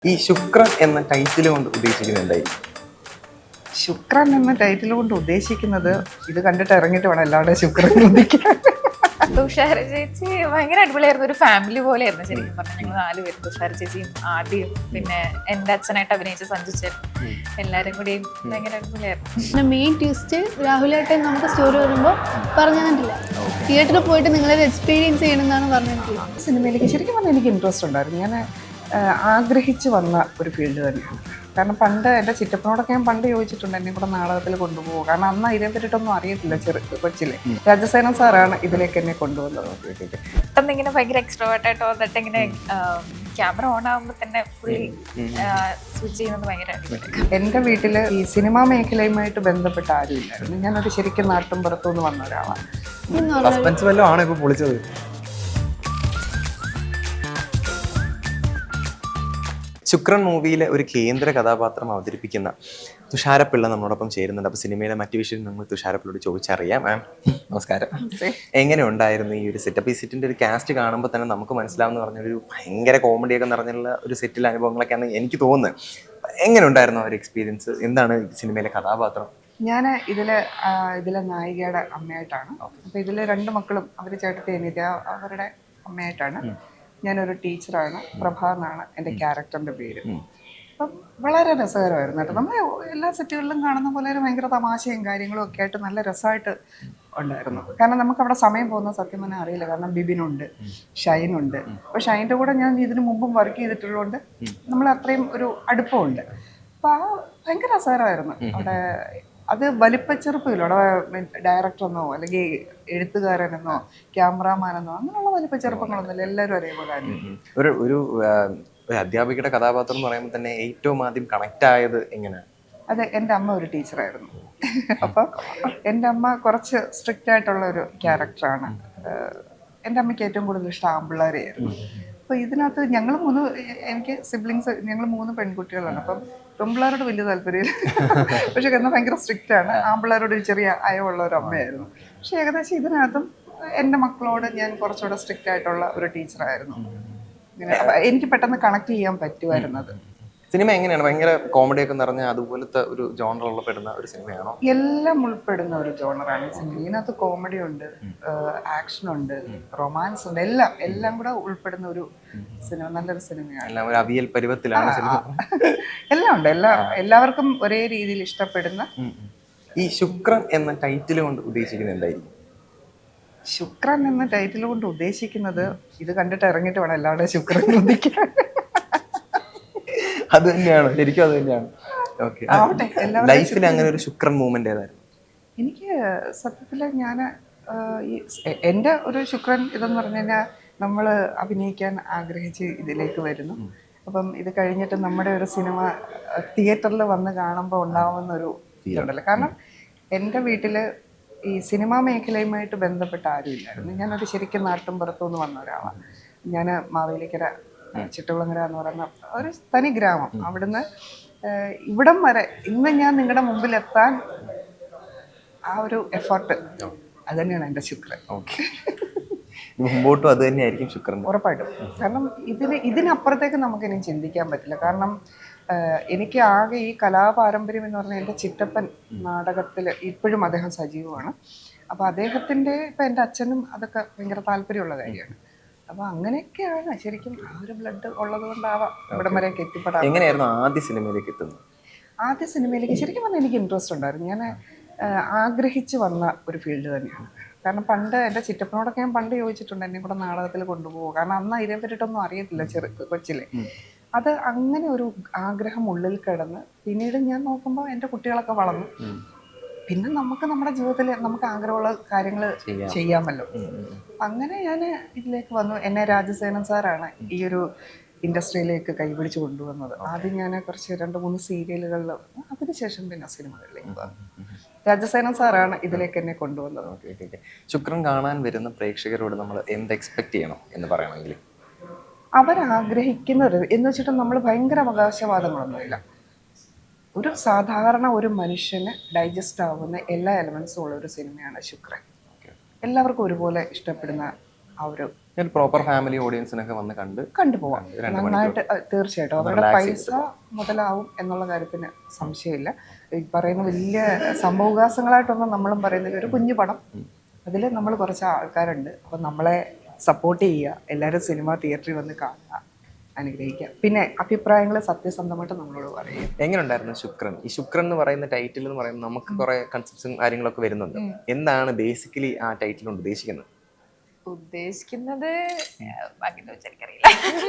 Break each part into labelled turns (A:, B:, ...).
A: ഈ ശുക്രൻ എന്ന ടൈറ്റിൽ കൊണ്ട് ഉദ്ദേശിക്കുന്നത് എന്തായിരിക്കും?
B: ശുക്രൻ എന്ന ടൈറ്റിൽ കൊണ്ട് ഉദ്ദേശിക്കുന്നത് ഇത് കണ്ടിട്ട് ഇറങ്ങിയിട്ട് വേണം എല്ലാവരുടെയും ശുക്രൻ ഉദിക്കാൻ.
C: തുഷാര ചേച്ചി ഭയങ്കര അടിപൊളിയായിരുന്നു. ഒരു ഫാമിലി പോലെയായിരുന്നു ശരിക്കും പറഞ്ഞാൽ. ഞങ്ങൾ 4 പേര്, തുഷാര ചേച്ചിയും ആദ്യം പിന്നെ എൻ്റെ അച്ഛനായിട്ട് അഭിനയിച്ച സഞ്ജുച്ചൻ, എല്ലാവരും കൂടിയും ഭയങ്കര അടിപൊളിയായിരുന്നു.
D: മെയിൻ ട്വിസ്റ്റ് രാഹുലായിട്ട് നമുക്ക് സ്റ്റോറി വരുമ്പോൾ പറഞ്ഞു തന്നിട്ടില്ല. തിയേറ്ററിൽ പോയിട്ട് നിങ്ങളത് എക്സ്പീരിയൻസ് ചെയ്യണമെന്നാണ് പറഞ്ഞിട്ടുള്ളത്.
B: സിനിമയിലേക്ക് ശരിക്കും പറഞ്ഞാൽ എനിക്ക് ഇൻട്രസ്റ്റ് ഉണ്ടായിരുന്നു. ഞാൻ ആഗ്രഹിച്ച് വന്ന ഒരു ഫീൽഡ് തന്നെയാണ്. കാരണം പണ്ട് എൻ്റെ ചിറ്റപ്പനോടൊക്കെ ഞാൻ പണ്ട് ചോദിച്ചിട്ടുണ്ട് എന്നെ കൂടെ നാടകത്തിൽ കൊണ്ടുപോകും. കാരണം അന്ന് ഇതിനെ പറ്റിയിട്ടൊന്നും അറിയത്തില്ല കൊച്ചിലെ. രാജസേന സാറാണ് ഇതിലേക്ക് എന്നെ കൊണ്ടുവന്നത്.
C: പെട്ടെന്ന് ഇങ്ങനെ ഭയങ്കര എക്സ്ട്രോവേർട്ടായിട്ട് വന്നിട്ട് ഇങ്ങനെ ക്യാമറ ഓൺ ആകുമ്പോൾ തന്നെ പുള്ളി സ്വിച്ച് ചെയ്യുന്നത് ഭയങ്കര അടിപൊളി.
B: എൻ്റെ വീട്ടിൽ ഈ സിനിമാ മേഖലയുമായിട്ട് ബന്ധപ്പെട്ട ആരും ഇല്ലായിരുന്നു. ഞാനൊരു ശരിക്കും നാട്ടും പുറത്തുനിന്ന് വന്ന ഒരാളാണ്.
A: സസ്പെൻസ് വല്ലതും ആണ് ഇപ്പോൾ പൊളിച്ചത്. ശുക്രൻ മൂവിയിലെ ഒരു കേന്ദ്ര കഥാപാത്രം അവതരിപ്പിക്കുന്ന തുഷാരപ്പിള്ള നമ്മളോടൊപ്പം ചേരുന്നുണ്ട്. അപ്പോൾ സിനിമയിലെ മറ്റു വിഷയം നമ്മൾ തുഷാരപ്പിള്ളയോട് ചോദിച്ചറിയാം. മാം നമസ്കാരം. എങ്ങനെ ഉണ്ടായിരുന്നു ഈ ഒരു സെറ്റ്? അപ്പോൾ ഈ സെറ്റിൻ്റെ ഒരു കാസ്റ്റ് കാണുമ്പോൾ തന്നെ നമുക്ക് മനസ്സിലാവുന്ന പറഞ്ഞൊരു ഭയങ്കര കോമഡിയൊക്കെ നിറഞ്ഞുള്ള ഒരു സെറ്റിലെ അനുഭവങ്ങളൊക്കെയാണ് എനിക്ക് തോന്നുന്നത്. എങ്ങനെ ഉണ്ടായിരുന്നു ആ ഒരു എക്സ്പീരിയൻസ്? എന്താണ് സിനിമയിലെ കഥാപാത്രം?
B: ഞാൻ ഇതിലെ നായികയുടെ അമ്മയായിട്ടാണ്. അപ്പോൾ ഇതിലെ 2 മക്കളും അവർ ചേട്ടത്തി അനിയത്തി അവരുടെ അമ്മയായിട്ടാണ്. ഞാനൊരു ടീച്ചറാണ്. പ്രഭ എന്നാണ് എൻ്റെ ക്യാരക്ടറിൻ്റെ പേര്. അപ്പം വളരെ രസകരമായിരുന്നു കേട്ടോ. നമ്മൾ എല്ലാ സെറ്റുകളിലും കാണുന്ന പോലെ ഒരു ഭയങ്കര തമാശയും കാര്യങ്ങളും ഒക്കെ ആയിട്ട് നല്ല രസമായിട്ട് ഉണ്ടായിരുന്നു. കാരണം നമുക്ക് അവിടെ സമയം പോകുന്ന സത്യം തന്നെ അറിയില്ല. കാരണം ബിബിനുണ്ട്, ഷൈനുണ്ട്. അപ്പോൾ ഷൈൻ്റെ കൂടെ ഞാൻ ഇതിനു മുമ്പും വർക്ക് ചെയ്തിട്ടുള്ളതുകൊണ്ട് നമ്മൾ അത്രയും ഒരു അടുപ്പമുണ്ട്. അപ്പോൾ ഭയങ്കര രസകരമായിരുന്നു അവിടെ. അത് വലിപ്പച്ചെറുപ്പില്ല. അവിടെ ഡയറക്ടറെന്നോ അല്ലെങ്കിൽ എഴുത്തുകാരനെന്നോ ക്യാമറാമാനെന്നോ അങ്ങനെയുള്ള വലിപ്പച്ചെറുപ്പങ്ങളൊന്നുമില്ല. എല്ലാവരും ഒരേപോലെ
A: ഒരു അധ്യാപികയുടെ കഥാപാത്രം എന്ന് പറയുമ്പോൾ തന്നെ ഏറ്റവും ആദ്യം കണക്ട് ആയത് എങ്ങനെയാണ്?
B: അതെ, എൻ്റെ അമ്മ ഒരു ടീച്ചറായിരുന്നു. അപ്പം എൻ്റെ അമ്മ കുറച്ച് സ്ട്രിക്റ്റ് ആയിട്ടുള്ള ഒരു ക്യാരക്ടറാണ്. എൻ്റെ അമ്മയ്ക്ക് ഏറ്റവും കൂടുതൽ ഇഷ്ടം ആമ്പിള്ളേരെയായിരുന്നു. അപ്പോൾ ഇതിനകത്ത് എനിക്ക് സിബ്ലിങ്സ്, ഞങ്ങൾ 3 പെൺകുട്ടികളാണ്. അപ്പം പെൺപിള്ളേരോട് വലിയ താല്പര്യമില്ല. പക്ഷെ എന്നാൽ ഭയങ്കര സ്ട്രിക്റ്റ് ആണ്. ആമ്പിള്ളേരോട് ഒരു ചെറിയ അയവുള്ള ഒരു അമ്മയായിരുന്നു. പക്ഷെ ഏകദേശം ഇതിനകത്തും എൻ്റെ മക്കളോട് ഞാൻ കുറച്ചുകൂടെ സ്ട്രിക്റ്റ് ആയിട്ടുള്ള ഒരു ടീച്ചറായിരുന്നു. എനിക്ക് പെട്ടെന്ന് കണക്ട് ചെയ്യാൻ പറ്റുമായിരുന്നത്.
A: സിനിമ എങ്ങനെയാണ്? ഭയങ്കര കോമഡിയൊക്കെ നിറഞ്ഞ അതുപോലത്തെ ഒരു ജോണറിൽ പെടുന്ന ഒരു സിനിമയാണോ?
B: എല്ലാം ഉൾപ്പെടുന്ന ഒരു ജോണറാണ് സിനിമ. ഇതിനകത്ത് കോമഡി ഉണ്ട്, ആക്ഷൻ ഉണ്ട്, റൊമാൻസ് ഉണ്ട്, എല്ലാം കൂടെ ഉൾപ്പെടുന്ന ഒരു സിനിമ. നല്ലൊരു സിനിമയാണ്.
A: ഒരു അവിയൽ പരുവത്തിലാണ് സിനിമ.
B: എല്ലാം ഉണ്ട്. എല്ലാവർക്കും ഒരേ രീതിയിൽ ഇഷ്ടപ്പെടുന്ന.
A: ഈ ശുക്രൻ എന്ന ടൈറ്റിൽ കൊണ്ട് ഉദ്ദേശിക്കുന്നത് എന്തായിരിക്കും?
B: ശുക്രൻ എന്ന ടൈറ്റിൽ കൊണ്ട് ഉദ്ദേശിക്കുന്നത് ഇത് കണ്ടിട്ട് ഇറങ്ങിയിട്ട് വേണം എല്ലാവരുടെയും ശുക്രൻ ഉദിക്കാൻ.
A: അത് തന്നെയാണ്, ശരിക്കും അത് തന്നെയാണ്. ലൈഫിൽ അങ്ങനെ ഒരു ശുക്രൻ മൂവ്മെന്റ് ഏതായിരുന്നു?
B: എനിക്ക് സത്യത്തിൽ എൻ്റെ ഒരു ശുക്രൻ ഇതെന്ന് പറഞ്ഞു കഴിഞ്ഞാൽ നമ്മൾ അഭിനയിക്കാൻ ആഗ്രഹിച്ച് ഇതിലേക്ക് വരുന്നു. അപ്പം ഇത് കഴിഞ്ഞിട്ട് നമ്മുടെ ഒരു സിനിമ തിയേറ്ററിൽ വന്ന് കാണുമ്പോൾ ഉണ്ടാവുന്ന ഒരു ഇതുണ്ടല്ലോ. കാരണം എൻ്റെ വീട്ടിൽ ഈ സിനിമാ മേഖലയുമായിട്ട് ബന്ധപ്പെട്ട ആരും ഇല്ലായിരുന്നു. ഞാനൊരു ശരിക്കും നാട്ടും പുറത്തുനിന്ന് വന്ന ഒരാളാണ്. ഞാൻ മാവേലിക്കര ചിട്ടകുളങ്ങര എന്ന് പറയുന്ന ഒരു തനി ഗ്രാമം. അവിടുന്ന് ഇവിടം വരെ ഇന്ന് ഞാൻ നിങ്ങളുടെ മുമ്പിൽ എത്താൻ ആ ഒരു എഫർട്ട്, അത് തന്നെയാണ് എൻ്റെ ശുക്രൻ.
A: ഓക്കെ, മുമ്പോട്ടും അത് തന്നെയായിരിക്കും ശുക്രൻ
B: ഉറപ്പായിട്ടും. കാരണം ഇതിനപ്പുറത്തേക്ക് നമുക്കിനി ചിന്തിക്കാൻ പറ്റില്ല. കാരണം എനിക്ക് ആകെ ഈ കലാപാരമ്പര്യം എന്ന് പറഞ്ഞാൽ എൻ്റെ ചിറ്റപ്പൻ നാടകത്തിൽ ഇപ്പോഴും അദ്ദേഹം സജീവമാണ്. അപ്പോൾ അദ്ദേഹത്തിൻ്റെ ഇപ്പം എൻ്റെ അച്ഛനും അതൊക്കെ ഭയങ്കര താല്പര്യമുള്ള കാര്യമാണ്. അപ്പോൾ അങ്ങനെയൊക്കെയാണ് ശരിക്കും ആ ഒരു ബ്ലഡ് ഉള്ളത് കൊണ്ടാവാം ഇവിടം വരെയൊക്കെ എത്തിപ്പെടാം.
A: എങ്ങനെയായിരുന്നു ആദ്യ സിനിമയിലേക്ക് എത്തുന്നത്?
B: ആദ്യ സിനിമയിലേക്ക് ശരിക്കും പറഞ്ഞാൽ എനിക്ക് ഇൻട്രസ്റ്റ് ഉണ്ടായിരുന്നു. ഞാൻ ആഗ്രഹിച്ച് വന്ന ഒരു ഫീൽഡ് തന്നെയാണ്. കാരണം പണ്ട് എൻ്റെ ചിറ്റപ്പനോടൊക്കെ ഞാൻ പണ്ട് ചോദിച്ചിട്ടുണ്ട് എന്നെ കൂടെ നാടകത്തിൽ കൊണ്ടുപോകും. കാരണം അന്ന് ഇതിനെ പറ്റിയിട്ടൊന്നും അറിയത്തില്ല കൊച്ചിലെ. അത് അങ്ങനെ ഒരു ആഗ്രഹം ഉള്ളിൽ കിടന്ന് പിന്നീട് ഞാൻ നോക്കുമ്പോൾ എൻ്റെ കുട്ടികളൊക്കെ വളർന്നു. പിന്നെ നമുക്ക് നമ്മുടെ ജീവിതത്തിൽ നമുക്ക് ആഗ്രഹമുള്ള കാര്യങ്ങൾ ചെയ്യാമല്ലോ. അങ്ങനെ ഞാൻ ഇതിലേക്ക് വന്നു. എന്നെ രാജസേനൻ സാറാണ് ഈ ഒരു ഇൻഡസ്ട്രിയിലേക്ക് കൈപിടിച്ച് കൊണ്ടുവന്നത്. ആദ്യം ഞാൻ കുറച്ച് 2-3 സീരിയലുകളിൽ, അതിനുശേഷം പിന്നെ സിനിമകളിലേക്ക് വന്നു. രാജസേനൻ സാറാണ് ഇതിലേക്ക് എന്നെ കൊണ്ടുവന്നത്.
A: ശുക്രൻ കാണാൻ വരുന്ന പ്രേക്ഷകരോട് നമ്മൾ എന്ത് എക്സ്പെക്ട് ചെയ്യണം എന്ന് പറയണമെങ്കിൽ?
B: അവരാഗ്രഹിക്കുന്നത് എന്ന് വെച്ചിട്ട് നമ്മൾ ഭയങ്കര അവകാശവാദങ്ങളൊന്നുമില്ല. ഒരു സാധാരണ ഒരു മനുഷ്യന് ഡൈജസ്റ്റ് ആവുന്ന എല്ലാ എലമെൻസും ഉള്ള ഒരു സിനിമയാണ് ശുക്രൻ. എല്ലാവർക്കും ഒരുപോലെ ഇഷ്ടപ്പെടുന്ന ആ ഒരു
A: ഒരു പ്രോപ്പർ ഫാമിലി ഓഡിയൻസിനൊക്കെ വന്ന് കണ്ട്
B: കണ്ടുപോവാം.
A: രണ്ട്
B: നന്നായിട്ട് തീർച്ചയായിട്ടും അവരുടെ പൈസ മുതലാവും എന്നുള്ള കാര്യത്തിന് സംശയമില്ല. ഈ പറയുന്ന വലിയ സംഭവവികാസങ്ങളായിട്ടൊന്നും നമ്മളും പറയുന്നില്ല. ഒരു കുഞ്ഞു പടം, അതിൽ നമ്മൾ കുറച്ച് ആൾക്കാരുണ്ട്. അപ്പം നമ്മളെ സപ്പോർട്ട് ചെയ്യുക, എല്ലാവരും സിനിമ തിയേറ്ററിൽ വന്ന് കാണുക, അനുഗ്രഹിക്കുക. പിന്നെ അഭിപ്രായങ്ങൾ സത്യസന്ധമായിട്ട് നമ്മളോട് പറയുക.
A: എങ്ങനെ ഉണ്ടായിരുന്നു ശുക്രൻ? ഈ ശുക്രൻ എന്ന് പറയുന്ന ടൈറ്റിൽ എന്ന് പറയുമ്പോൾ നമുക്ക് കുറെ കൺസെപ്റ്റ്സും കാര്യങ്ങളൊക്കെ വരുന്നുണ്ട്. എന്താണ് ബേസിക്കലി ആ ടൈറ്റിൽ കൊണ്ട് ഉദ്ദേശിക്കുന്നത്?
C: ഉദ്ദേശിക്കുന്നത് അങ്ങനെ എനിക്കറിയില്ല.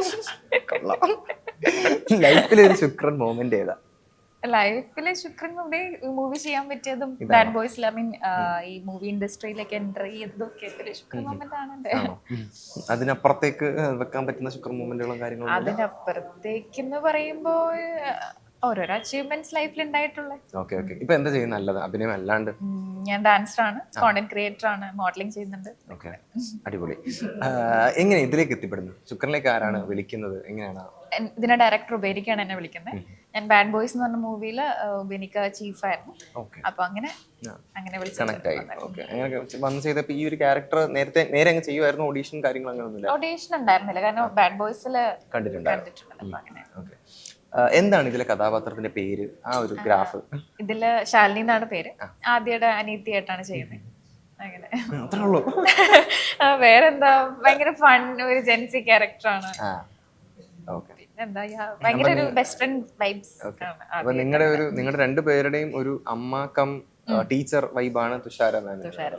A: ലൈഫിലെ ഒരു ശുക്രൻ മൊമെന്റ് ഏതാ?
C: ലൈഫിലെ ശുക്രൻ മൂവി ചെയ്യാൻ പറ്റിയതും ബാഡ് ബോയ്സിൽ, ഐ മീൻ ഈ മൂവി ഇൻഡസ്ട്രിയിലേക്ക് എൻ്റർ ചെയ്തതൊക്കെ ഒരു ശുക്രൻ മൊമെന്റ് ആണ് എൻ്റെ.
A: അതിനപ്പുറത്തേക്ക് വെക്കാൻ പറ്റുന്ന ശുക്രൻ മൊമെന്റുകളും കാര്യങ്ങളും?
C: അതിനപ്പുറത്തേക്കെന്ന് പറയുമ്പോൾ ഓരോരോ അച്ചീവ്മെന്റ്സ് ലൈഫിൽ ഉണ്ടായിട്ടുള്ള.
A: Okay okay. ഇപ്പൊ എന്താ ചെയ്യുന്നത്? നല്ലത് അഭിനയം അല്ലാണ്ട്?
C: ഞാൻ ഡാൻസറാണ്, കോണ്ടന്റ് ക്രിയേറ്റർ ആണ്, മോഡലിംഗ് ചെയ്യുന്നുണ്ട്.
A: ഓക്കെ, അടിപൊളി. എങ്ങനെ ഇതിലേക്ക് എത്തിപ്പെടുന്നു? ശുക്രനിലേക്ക് ആരാണ് വിളിക്കുന്നത്? എങ്ങനെയാണ്?
C: ഇതിന്റെ ഡയറക്ടർ ഉപേരിക്കാണ് എന്നെ വിളിക്കുന്നത്. ഞാൻ ബാഡ് ബോയ്സ് എന്ന് പറഞ്ഞ മൂവിയില് ഉപേനിക്ക ചീഫായിരുന്നു. അപ്പൊ അങ്ങനെ
A: കണക്ട് ആയി. ഓക്കെ, അങ്ങനെ വന്ന് ചെയ്തപ്പോ ഈ ഒരു ക്യാരക്ടർ നേരെ അങ്ങ് ചെയ്യുമായിരുന്നു? ഓഡീഷൻ കാര്യങ്ങൾ അങ്ങനെ ഒന്നുമില്ല?
C: ഓഡീഷൻ ഉണ്ടായിരുന്നില്ല, കാരണം ബാഡ് ബോയ്സില്
A: കണ്ടിട്ടുണ്ടായിരുന്നു. ഓക്കെ. എന്താണ് ഇതിലെ കഥാപാത്രത്തിന്റെ പേര്? ആ ഒരു ഗ്രാഫ്?
C: ഇതില് ശാലിനി എന്നാണ് പേര്. ആദ്യയുടെ അനീതിയായിട്ടാണ് ചെയ്യുന്നത്. അങ്ങനെ
A: അത്രേ ഉള്ളൂ.
C: വേറെന്താ, ഭയങ്കര ഫൺ ഒരു ജെൻസി ക്യാരക്ടറാണ്. പിന്നെന്താ, ഭയങ്കര ഒരു ബെസ്റ്റ് ഫ്രണ്ട് വൈബ്സ്.
A: അപ്പൊ നിങ്ങളുടെ രണ്ടുപേരുടെയും ഒരു അമ്മ കം ടീച്ചർ വൈബാണ് തുഷാര മാം.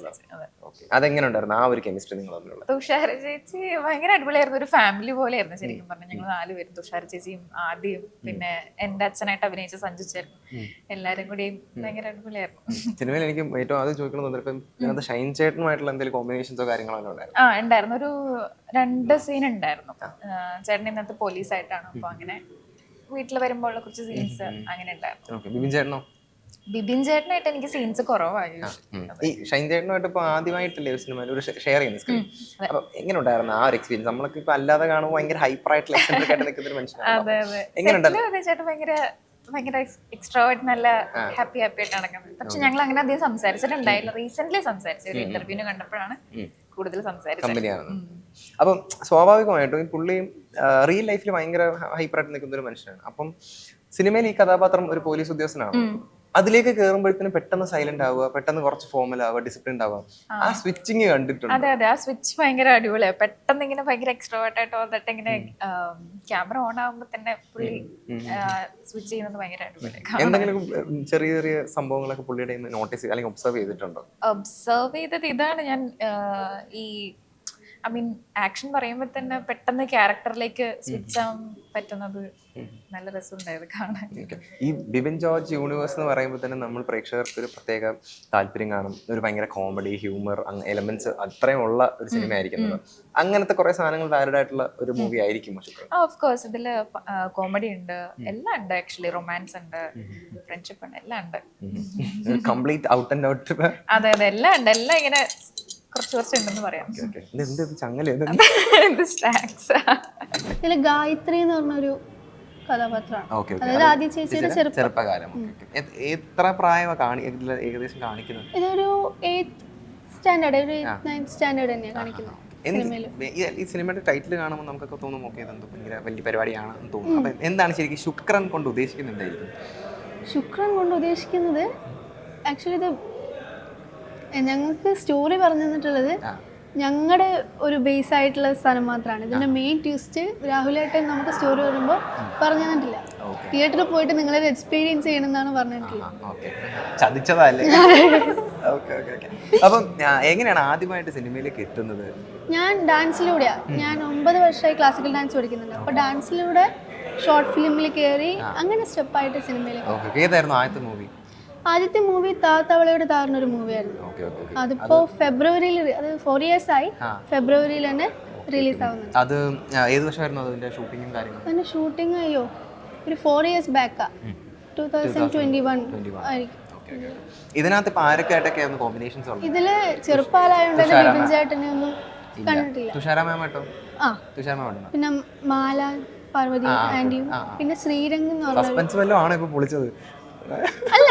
A: അതെങ്ങനെ ഉണ്ടായിരുന്നു ആ ഒരു കെമിസ്ട്രി നിങ്ങൾ തമ്മിലുള്ള?
C: തുഷാര ചേച്ചി ഭയങ്കര അടിപൊളിയായിരുന്നു. ഒരു ഫാമിലി പോലെയായിരുന്നു ശരിക്കും പറഞ്ഞാൽ. ഞങ്ങൾ 4 പേരും, തുഷാര ചേച്ചിയും ആദ്യം പിന്നെ എന്റെ അച്ഛനായിട്ട് അഭിനയിച്ച സഞ്ജു ചേട്ടൻ, എല്ലാരും കൂടിയും ഭയങ്കര അടിപൊളിയായിരുന്നു.
A: സിനിമയിൽ എനിക്ക് ഏറ്റവും ആദ്യം ചോദിക്കണം, ഷൈൻ ചേട്ടനുമായിട്ടുള്ള എന്തെങ്കിലും കോമ്പിനേഷൻസോ കാര്യങ്ങളോ ഉണ്ടായിരുന്നു?
C: ഉണ്ടായിരുന്നു. ഒരു 2 സീൻ ഉണ്ടായിരുന്നു. ചേട്ടൻ ഇന്നത്തെ പോലീസായിട്ടാണ്. അപ്പൊ അങ്ങനെ വീട്ടിൽ വരുമ്പോൾ കുറച്ച് സീൻസ് അങ്ങനെ ഉണ്ടായിരുന്നു.
A: ബിബിൻ ചേട്ടനോ?
C: ബിബിൻ ചേട്ടനായിട്ട് എനിക്ക് സീൻസ് കുറവായി.
A: ഈ ഷൈൻ ചേട്ടനുമായിട്ട് ഇപ്പൊ ആദ്യമായിട്ടല്ലേ സിനിമയിൽ ഒരു ഷെയർ ചെയ്യുന്ന സ്ക്രീൻ? അപ്പൊ എങ്ങനെ ഉണ്ടായിരുന്നു ആ ഒരു എക്സ്പീരിയൻസ്? നമ്മളൊക്കെ ഇപ്പൊ അല്ലാതെ കാണുമ്പോൾ ഭയങ്കര ഹൈപ്പർ ആയിട്ടുള്ള എക്സെൻട്രിക് ആയിട്ട് നിൽക്കുന്ന ഒരു മനുഷ്യനാണ്. എങ്ങനെ ഉണ്ടായിരുന്നു?
C: ചേട്ടൻ ഭയങ്കര എക്സ്ട്രോവേർട്ട്, നല്ല ഹാപ്പി ആയിട്ട് നടക്കുന്നത്. പക്ഷെ ഞങ്ങൾ അങ്ങനെ അധികം സംസാരിച്ചിട്ടുണ്ടായില്ല. റീസെന്റ് സംസാരിച്ചു, ഒരു ഇന്റർവ്യൂവിന് കണ്ടപ്പോഴാണ് കൂടുതൽ സംസാരിച്ചത്.
A: അപ്പം സ്വാഭാവികമായിട്ടും ഈ പുള്ളിയും റിയൽ ലൈഫിൽ ഭയങ്കര ഹൈപ്പർ ആയിട്ട് നിൽക്കുന്ന ഒരു മനുഷ്യനാണ്. അപ്പം സിനിമയിൽ ഈ കഥാപാത്രം ഒരു പോലീസ് ഉദ്യോഗസ്ഥനാണ്. അതിലേക്ക് കയറുമ്പോഴത്തേനും പെട്ടെന്ന് സൈലന്റ് ആവുക, പെട്ടെന്ന് കുറച്ച് ഫോമൽ ആവുക, ഡിസിപ്ലിൻ ആവുക. ആ സ്വിച്ചിങ് കണ്ടിട്ടുണ്ട്?
C: അതെ, ആ സ്വിച്ച് ഭയങ്കര അടിപൊളിയാണ്. പെട്ടെന്ന് ഇങ്ങനെ ഭയങ്കര എക്സ്ട്രോവേർട്ട് ആയിട്ട് വന്നിട്ട് ഇങ്ങനെ ക്യാമറ ഓൺ ആകുമ്പോ തന്നെ പുള്ളി സ്വിച്ച് ചെയ്യുന്നത് ഭയങ്കര അടിപൊളിയാണ്.
A: എന്തെങ്കിലും ചെറിയ ചെറിയ സംഭവങ്ങളൊക്കെ പുള്ളിയുടെ നോട്ടീസ് അല്ലെങ്കിൽ ഒബ്സർവ് ചെയ്തിട്ടുണ്ടോ?
C: ഒബ്സർവ് ചെയ്തത് ഇതാണ്, ഞാൻ ഈ ഐ മീൻ ആക്ഷൻ പറയുമ്പോൾ തന്നെ പെട്ടെന്ന് ക്യാരക്ടറിലേക്ക് സ്വിച്ച് ആവാൻ പറ്റുന്നത് നല്ല രസമുണ്ടായത് കാണാൻ.
A: ഈ ബിബിൻ ജോർജ് യൂണിവേഴ്സ് എന്ന് പറയുമ്പോൾ തന്നെ നമ്മൾ പ്രേക്ഷകർക്ക് ഒരു പ്രത്യേക താല്പര്യം കാണും. ഒരു ഭയങ്കര കോമഡി, ഹ്യൂമർ എലമെന്റ്സ് അത്രയും ഉള്ള ഒരു സിനിമ ആയിരിക്കുന്നത്. അങ്ങനത്തെ കുറെ സാധനങ്ങൾ ആരുടെ ആയിട്ടുള്ള ഒരു മൂവി ആയിരിക്കും ശുക്രൻ?
C: ഓഫ് കോഴ്സ് ഇതില് കോമഡി ഉണ്ട്, എല്ലാം ഉണ്ട്. ആക്ച്വലി റൊമാൻസ് ഉണ്ട്, ഫ്രണ്ട്ഷിപ്പ് ഉണ്ട്, എല്ലാം ഉണ്ട്.
A: Complete out and out.
C: അതെ അതെ, എല്ലാം ഉണ്ട്. എല്ലാം ഇങ്ങനെ കുറച്ച് ഉണ്ടെന്ന് പറയാം.
D: ഇതില് ഗായത്രി എന്ന് പറഞ്ഞൊരു കഥാപാത്രമാണ്. അതായത് ആദ്യ ചേച്ചിയുടെ
A: ചെറുപ്പകാലം. എത്ര പ്രായമാണ് ഏകദേശം കാണിക്കുന്നത്?
D: ഇതൊരു 8th സ്റ്റാൻഡേർഡ്, ഒരു 9th സ്റ്റാൻഡേർഡ് തന്നെയാണ് കാണിക്കുന്നത്.
A: ഈ സിനിമയുടെ ടൈറ്റിൽ കാണുമ്പോൾ നമുക്കൊക്കെ തോന്നും ഓക്കെ ഇതെന്തോ ഭയങ്കര വലിയ പരിപാടിയാണെന്ന് തോന്നും. അപ്പൊ എന്താണ് ശരിക്കും ശുക്രൻ കൊണ്ട് ഉദ്ദേശിക്കുന്നുണ്ടായിരിക്കും?
D: ശുക്രൻ കൊണ്ട് ഉദ്ദേശിക്കുന്നത് ആക്ച്വലി ഇത് ഞങ്ങൾക്ക് സ്റ്റോറി പറഞ്ഞു തന്നിട്ടുള്ളത് ഞങ്ങളുടെ ഒരു ബേസ് ആയിട്ടുള്ള സ്ഥലം മാത്രമാണ്. ഇതിന്റെ മെയിൻ ട്വിസ്റ്റ് രാഹുലായിട്ട് നമുക്ക് സ്റ്റോറി വരുമ്പോൾ പറഞ്ഞു തന്നിട്ടില്ല. തിയേറ്ററിൽ പോയിട്ട് നിങ്ങളത് എക്സ്പീരിയൻസ് ചെയ്യണമെന്നാണ് പറഞ്ഞിട്ടുള്ളത്.
A: ചതിച്ചതല്ലേ? അപ്പം എങ്ങനെയാണ് ആദ്യമായിട്ട് സിനിമയിലേക്ക് എത്തുന്നത്?
D: ഞാൻ ഡാൻസിലൂടെയാണ്. ഞാൻ 9 വർഷമായി ക്ലാസിക്കൽ ഡാൻസ് പഠിക്കുന്നുണ്ട്. അപ്പോൾ ഡാൻസിലൂടെ ഷോർട്ട് ഫിലിമിൽ കയറി അങ്ങനെ സ്റ്റെപ്പായിട്ട് സിനിമയിലേക്ക്.
A: ഏതായിരുന്നു ആദ്യത്തെ മൂവി?
D: ആദ്യത്തെ മൂവി താത്തവളയുടെ താറിനൊരു മൂവിയായിരുന്നു. അതിപ്പോ ഫെബ്രുവരിയിൽ, അത് 4 years ആയി, ഫെബ്രുവരിയിൽ തന്നെ റിലീസ് ആവുന്നുണ്ട്.
A: അത് ഏത് വർഷമായിരുന്നു അതിന്റെ ഷൂട്ടിങ്ങും കാര്യങ്ങളും?
D: അതിന്റെ ഷൂട്ടിംഗ് അയ്യോ ഒരു 4 years ബാക്കാ, 2021 ആയിരിക്കും.
A: ഇതിനകത്ത് ഇപ്പൊ ആരൊക്കെ ആയിട്ടൊക്കെയായിരുന്നു കോമ്പിനേഷൻസ് ഉള്ളത്?
D: ഇതില് ചെറുപ്പാലായോണ്ട് ബിബിൻ ചേട്ടനെ ഒന്നും കണ്ടിട്ടില്ല.
A: തുഷാര മാം ആട്ടോ? തുഷാര മാം. പിന്നെ
D: മാല, പാർവതി ആന്റിയും, പിന്നെ ശ്രീരംഗ് എന്ന് പറഞ്ഞ
A: സസ്പെൻസ് വല്ലതും ആണോ ഇപ്പൊ പൊളിച്ചത്?
D: അല്ല,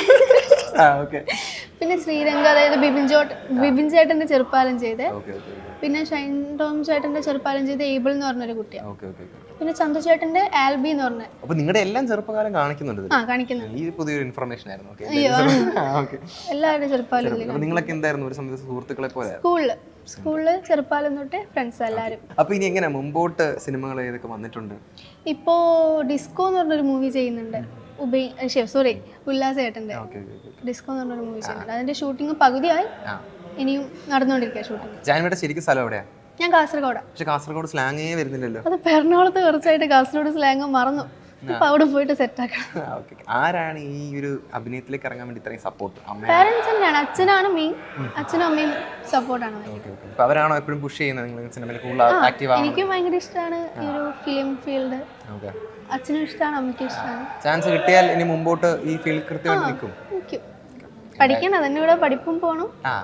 D: പിന്നെ ശ്രീരംഗ്, അതായത് ബിബിൻ ചേട്ടന്റെ ചെറുപ്പാലം ചെയ്ത് പിന്നെ ഷൈൻ ടോം ചേട്ടൻ്റെ ചെറുപ്പാലം ചെയ്ത ഏബിൾ എന്ന് പറഞ്ഞൊരു കുട്ടിയാണ്.
A: Okay okay okay.
D: പിന്നെ ചന്തു ചേട്ടൻ്റെ ആൽബി എന്ന് പറഞ്ഞ
A: അപ്പൊ നിങ്ങളുടെ എല്ലാം ചെറുപ്പകാലം കാണിക്കുന്നുണ്ട് ഇതില്?
D: കാണിക്കുന്നുണ്ട്.
A: ഈ പുതിയൊരു ഇൻഫർമേഷൻ ആയിരുന്നു. ഓക്കെ.
D: എല്ലാവരുടെ ചെറുപ്പാലം ഇതിൽ.
A: അപ്പൊ നിങ്ങളൊക്കെ എന്തായിരുന്നു ഒരു സമയത്ത് സുഹൃത്തുക്കളെ പോലെ?
D: സ്കൂളിൽ ചെറുപ്പാലം തൊട്ട് ഫ്രണ്ട്സ് എല്ലാവരും.
A: അപ്പൊ ഇനി എങ്ങനെ മുമ്പോട്ട് സിനിമകൾ ഏതൊക്കെ വന്നിട്ടുണ്ട്?
D: ഇപ്പോൾ ഡിസ്കോ എന്ന് പറഞ്ഞൊരു മൂവി ചെയ്യുന്നുണ്ട്. ഉല്ലാസ് ചേട്ടൻ്റെ ഡിസ്കോ എന്ന് പറഞ്ഞൊരു മൂവി ചെയ്യുന്നുണ്ട്. അതിന്റെ ഷൂട്ടിംഗ് പകുതിയായി, ഇനിയും നടന്നുകൊണ്ടിരിക്കുക ഷൂട്ടിംഗ്.
A: ജാൻവിയുടെ ശരിക്കും സ്ഥലം എവിടെയാ?
D: ഞാൻ കാസർഗോഡാണ്.
A: പക്ഷെ കാസർഗോഡ് സ്ലാങ്ങേ വരുന്നില്ലല്ലോ.
D: അത് എറണാകുളത്ത് കുറച്ചായിട്ട് കാസർഗോഡ് സ്ലാങ് മറന്നു. ഇപ്പൊ അവിടെ പോയിട്ട് സെറ്റ് ആക്കണം.
A: ആരാണ് ഈ ഒരു അഭിനയത്തിലേക്ക് ഇറങ്ങാൻ വേണ്ടി ഇത്രയും സപ്പോർട്ട്?
D: പാരന്റ്സ് തന്നെയാണ്. അച്ഛനാണ് മെയിൻ. അച്ഛനും അമ്മയും സപ്പോർട്ടാണ്.
A: അവരാണോ എപ്പോഴും പുഷ് ചെയ്യുന്നത് നിങ്ങൾ സിനിമയിൽ കൂടുതൽ ആക്റ്റീവ് ആവാൻ?
D: എനിക്കും ഭയങ്കര ഇഷ്ടമാണ് ഈ ഒരു ഫിലിം ഫീൽഡ്. അച്ഛനും ഇഷ്ടമാണ്, അമ്മയ്ക്കും ഇഷ്ടമാണ്.
A: ചാൻസ് കിട്ടിയാൽ ഇനി മുമ്പോട്ട് ഈ ഫീൽഡ് കൃത്യമായിട്ട് നിൽക്കും.
D: പഠിക്കണം, അതിൻ്റെ കൂടെ പഠിപ്പും പോകണം.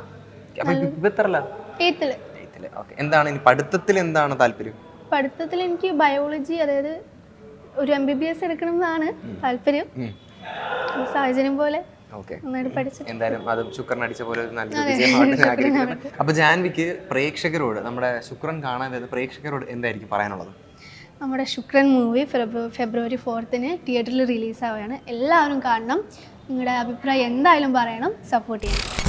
A: എന്താണ് ഇനി പഠിത്തത്തിൽ എന്താണ് താല്പര്യം?
D: പഠിത്തത്തിൽ എനിക്ക് ബയോളജി, അതായത് ഒരു MBBS എടുക്കണം എന്നാണ് താല്പര്യം. സാഹചര്യം പോലെ നന്നായിട്ട് പഠിച്ചു.
A: എന്തായാലും അത് ശുക്രൻ അടിച്ച പോലെ ഒരു നല്ലൊരു വിജയമാവട്ടെ ആഗ്രഹിക്കുന്നു. അപ്പൊ ജാൻവിക്ക് പ്രേക്ഷകരോട്, നമ്മുടെ ശുക്രൻ കാണാൻ വരുന്ന പ്രേക്ഷകരോട് എന്തായിരിക്കും പറയാനുള്ളത്?
D: നമ്മുടെ ശുക്രൻ മൂവി ഫെബ്രുവരി 4 തിയേറ്ററിൽ റിലീസാവുകയാണ്. എല്ലാവരും കാണണം. നിങ്ങളുടെ അഭിപ്രായം എന്തായാലും പറയണം, സപ്പോർട്ട് ചെയ്യണം.